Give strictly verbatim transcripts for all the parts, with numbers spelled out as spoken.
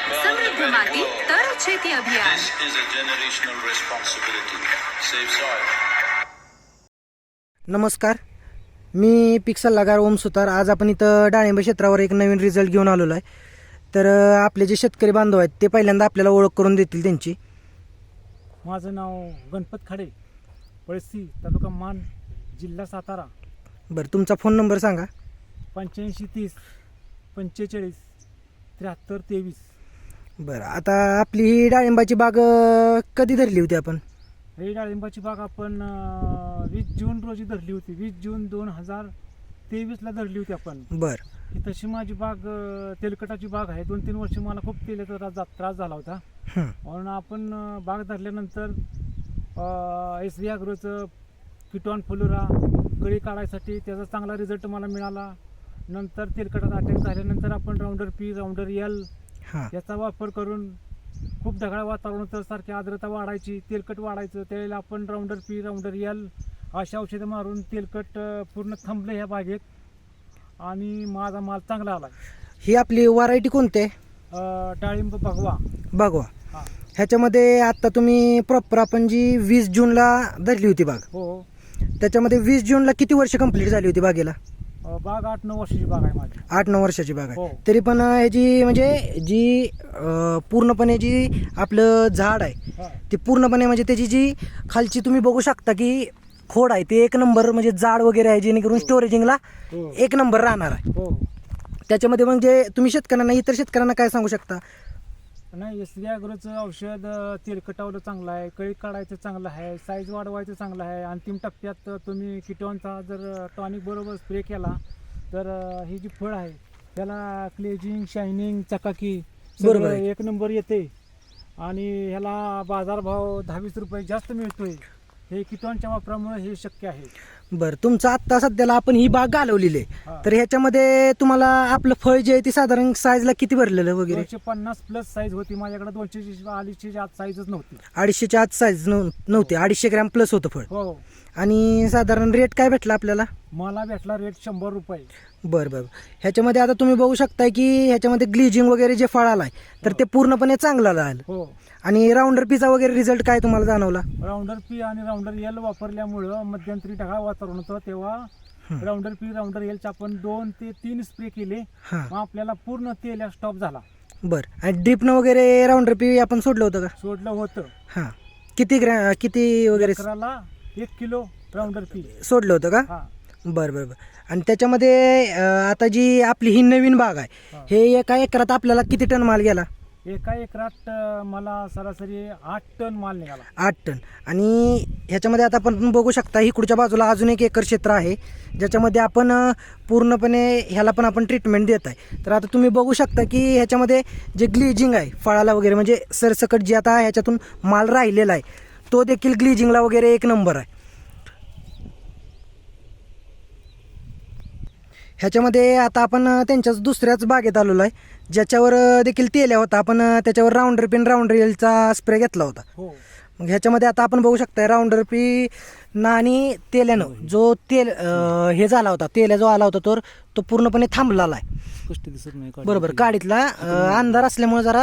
समृद्ध माती तर शेती अभियान. This is a generational responsibility. Save soil. नमस्कार, मी पीक सल्लागार ओम सुतार. आज आपण इथं डाळिंब क्षेत्रावर एक नवीन रिझल्ट घेऊन आलेलो आहे. तर अ, आपले जे शेतकरी बांधव आहेत ते पहिल्यांदा आपल्याला ओळख करून देतील त्यांची. माझं नाव गणपत खाडे, पळसी, तालुका मान, जिल्हा सातारा. बरं, तुमचा फोन नंबर सांगा. पंच्याऐंशी तीस पंचेचाळीस त्र्याहत्तर तेवीस. बरं, आता आपली ही डाळिंबाची बाग अ, कधी धरली होती आपण? ही डाळिंबाची बाग आपण अं, वीस जून रोजी धरली होती. वीस जून दोन हजार तेवीसला धरली होती आपण. बरं. ही तशी माझी बाग अं, तेलकटाची बाग आहे. दोन तीन वर्ष मला खूप तेलाचा त्रास त्रास झाला होता. हं. म्हणून आपण अं, बाग धरल्यानंतर एस व्ही ॲग्रोचं किटॉन फुलोरा कळी काढायसाठी त्याचा चांगला रिझल्ट मला मिळाला. नंतर तेलकटाचा अटॅक झाल्यानंतर आपण राऊंडर पी राऊंडर एल हां. याचा वापर करून खूप ढगाळ वातावरण होतं, सारखी आर्द्रता वाढायची, तेलकट वाढायचं. त्यावेळेला आपण राऊंडर पी राऊंडर एल अशा औषधं मारून तेलकट अं, पूर्ण थांबलं ह्या बागेत आणि माझा माल चांगला आला. ही आपली व्हरायटी कोणती आहे? अं, डाळिंब भगवा. बागवा. हां. ह्याच्यामध्ये आत्ता तुम्ही प्रॉपर आपण जी वीस जूनला धरली होती बाग, हो. त्याच्यामध्ये वीस जूनला किती वर्ष कंप्लीट झाली होती बागेला? अं, बाग आठ नऊ वर्षाची बाग आहे माझी. आठ नऊ वर्षाची बाग आहे. हो. तरी पण अ, ह्याची म्हणजे जी अ, पूर्णपणे जी आपलं झाड आहे हां. ते पूर्णपणे म्हणजे त्याची जी खालची तुम्ही बघू शकता की खोड आहे ते एक नंबर म्हणजे जाड वगैरे आहे, जेणेकरून स्टोरेजिंगला हो. एक नंबर राहणार आहे. हो. त्याच्यामध्ये म्हणजे तुम्ही शेतकऱ्यांना इतर शेतकऱ्यांना काय सांगू शकता? नाही, एस व्ही ॲग्रोचं औषध अं, तेलकटावलं चांगलं आहे, कळी काढायचं चांगलं आहे, साईज वाढवायचं चांगलं आहे. अंतिम टप्प्यात तुम्ही किटॉनचा जर टॉनिक बरोबर स्प्रे केला तर अं, ही जी फळ आहे त्याला क्लेजिंग, शायनिंग, चकाकी बरोबर सगळं आहे. एक नंबर येते आणि ह्याला बाजारभाव दहा वीस रुपये जास्त मिळतोय. हे किटॉनच्या वापरामुळे हे शक्य आहे. बरं, तुमचं आत्ता सध्याला आपण ही बाग घालवलेली हा. आहे, तर ह्याच्यामध्ये तुम्हाला आपलं फळ जे आहे ते साधारण साईजला किती भरलेलं वगैरे? दोनशे पन्नास प्लस साईज होती माझ्याकडे. दोनशे अडीचशे आत साईजच नव्हती. अडीचशेच्या आत साईज नव्हती, अडीचशे ग्रॅम प्लस होतं फळ. हो. आणि साधारण रेट काय भेटला आपल्याला? मला भेटला रेट शंभर रुपये. बरं बरं. ह्याच्यामध्ये आता तुम्ही बघू शकताय की ह्याच्यामध्ये ग्लिजिंग वगैरे जे फळ आलाय तर ते पूर्णपणे चांगलं आलं. हो. आणि राऊंडर पीचा वगैरे रिझल्ट काय तुम्हाला जाणवला? राऊंडर पी आणि राऊंडर एल वापरल्यामुळं मध्यंतरी ढगाळ वातावरण होतं, तेव्हा राऊंडर पी राऊंडर एलचे आपण दोन ते तीन स्प्रे केले. हां. मग आपल्याला पूर्ण तेल स्टॉप झाला. बरं. आणि ड्रिपनं वगैरे राऊंडर पी आपण सोडलं होतं का? सोडलं होतं. हां. किती ग्रॅ किती वगैरे एकराला एक किलो राऊंडर पी. सोडलं होतं का? हा. बरं बरं बरं. आणि त्याच्यामध्ये अं, आता जी आपली ही नवीन बाग आहे, हा. हे एका एकरात आपल्याला किती टन माल गेला? एका एकरात अं, मला सरासरी आठ टन माल निघाला. आठ टन. आणि ह्याच्यामध्ये आता आपण बघू शकता इकडच्या बाजूला अजून एक एकर क्षेत्र आहे ज्याच्यामध्ये आपण अं, पूर्णपणे ह्याला पण आपण ट्रीटमेंट देत आहे. तर आता तुम्ही बघू शकता की ह्याच्यामध्ये जे ग्लिजिंग आहे फळाला वगैरे म्हणजे सरसकट जे आता ह्याच्यातून माल राहिलेला आहे तो देखील ग्लिजिंगला वगैरे एक नंबर आहे. ह्याच्यामध्ये आता आपण अं, त्यांच्याच दुसऱ्याच बागेत आलेलो आहे ज्याच्यावर अं, देखील तेल्या होता. आपण अं, त्याच्यावर राऊंडर पिन राऊंडर एलचा स्प्रे घेतला होता. हो. मग ह्याच्यामध्ये आता आपण बघू शकता राऊंडर पी ना आणि तेल्यानं जो तेल अं, हे झाला होता, तेल्या जो आला होता तो तो पूर्णपणे थांबलेला आहे. कष्ट दिसत नाही. बरोबर. काडीतला अं, अंधार असल्यामुळे जरा.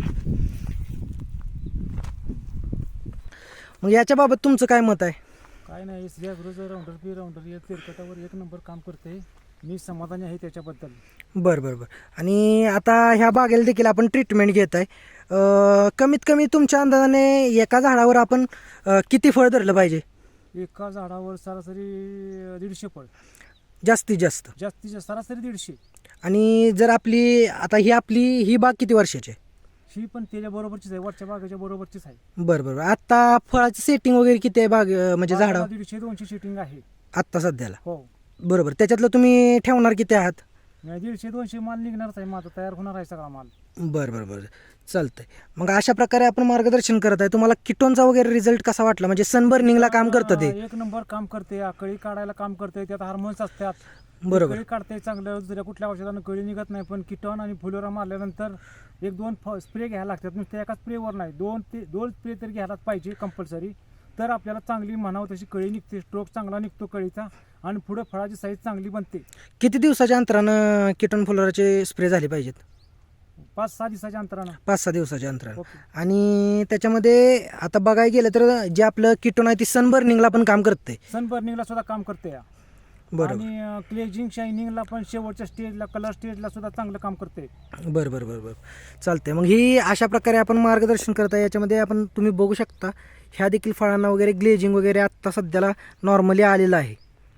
मग याच्याबाबत तुमचं काय मत आहे? काय नाही, एस व्ही ॲग्रोचं राऊंडर पी राऊंडर एल तेलकटावर एक नंबर काम करते. मी समाधानी आहे त्याच्याबद्दल. बरं बरं बरं. आणि आता ह्या बागेला देखील आपण ट्रीटमेंट घेत आहे. अं, कमीत कमी तुमच्या अंदाजाने एका झाडावर आपण अं, किती फळ धरलं पाहिजे? एका झाडावर सरासरी दीडशे फळ. जास्तीत जास्त. जास्तीत जास्त सरासरी दीडशे. आणि जर आपली आता ही आपली ही बाग किती वर्षाची आहे? ही पण त्याच्या बरोबरचीच आहे, वरच्या बागेच्या बरोबरचीच आहे. बरं बरं. आता फळाचं सेटिंग वगैरे किती आहे बाग अं, म्हणजे बागेला झाडावर दीडशे दोनशे शिटिंग आहे. आत्ता सध्याला? हो. बरोबर. त्याच्यातलं तुम्ही ठेवणार किती आहात? नाही, दीडशे दोनशे माल निघणारच आहे माझा, तयार होणार आहे सगळा माल. बरं बरं बरं. चालतंय. मग अशा प्रकारे आपण मार्गदर्शन करत आहे. तुम्हाला किटोनचा वगैरे रिझल्ट कसा वाटला? म्हणजे सनबर्निंगला काम करतं ते? एक नंबर काम करते. कळी काढायला काम करते. त्यात हार्मोन्स असतात. बरोबर. कळी काढते चांगलं. दुसऱ्या कुठल्या औषधानं कळी निघत नाही. पण किटॉन आणि फुलोरा मारल्यानंतर एक दोन स्प्रे घ्यायला लागतात. नुसत्या एका स्प्रेवर नाही, दोन ते दोन स्प्रे तरी घ्यायलाच पाहिजे कंपल्सरी. तर आपल्याला चांगली म्हणावं तशी कळी निघते, स्ट्रोक चांगला निघतो कळीचा आणि पुढे फळाची साईज चांगली बनते. किती दिवसाच्या अंतरानं किटोन फुलोराचे स्प्रे झाले पाहिजेत? पाच सहा दिवसाच्या अंतरानं. पाच सहा दिवसाच्या अंतरानं. ओके. आणि त्याच्यामध्ये आता बघायला गेलं तर जे आपलं किटोन आहे ती सन बर्निंगला पण काम करते. सन बर्निंगला सुद्धा काम करते या. बरोबर आणि क्लेजिंग शायनिंगला पण शेवटच्या स्टेजला कलर स्टेजला सुद्धा चांगलं काम करते. बरं बरं बरं बरं चालतंय. मग ही अशा प्रकारे आपण मार्गदर्शन करता. याच्यामध्ये आपण तुम्ही बघू शकता ह्या देखील फळांना वगैरे ग्लेजिंग वगैरे आत्ता सध्याला नॉर्मली आलेलं आहे.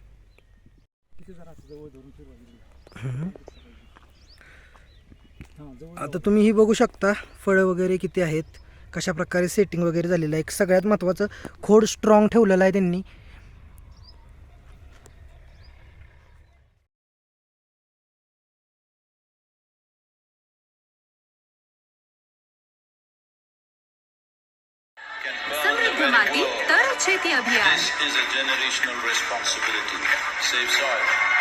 आता तुम्ही ही बघू शकता फळं वगैरे किती आहेत, कशा प्रकारे सेटिंग वगैरे झालेलं आहे. सगळ्यात महत्त्वाचं खोड स्ट्रॉंग ठेवलेलं आहे त्यांनी. Can burn समृद्ध very माती well. तर शेती अभियान. This is a generational responsibility. Save soil.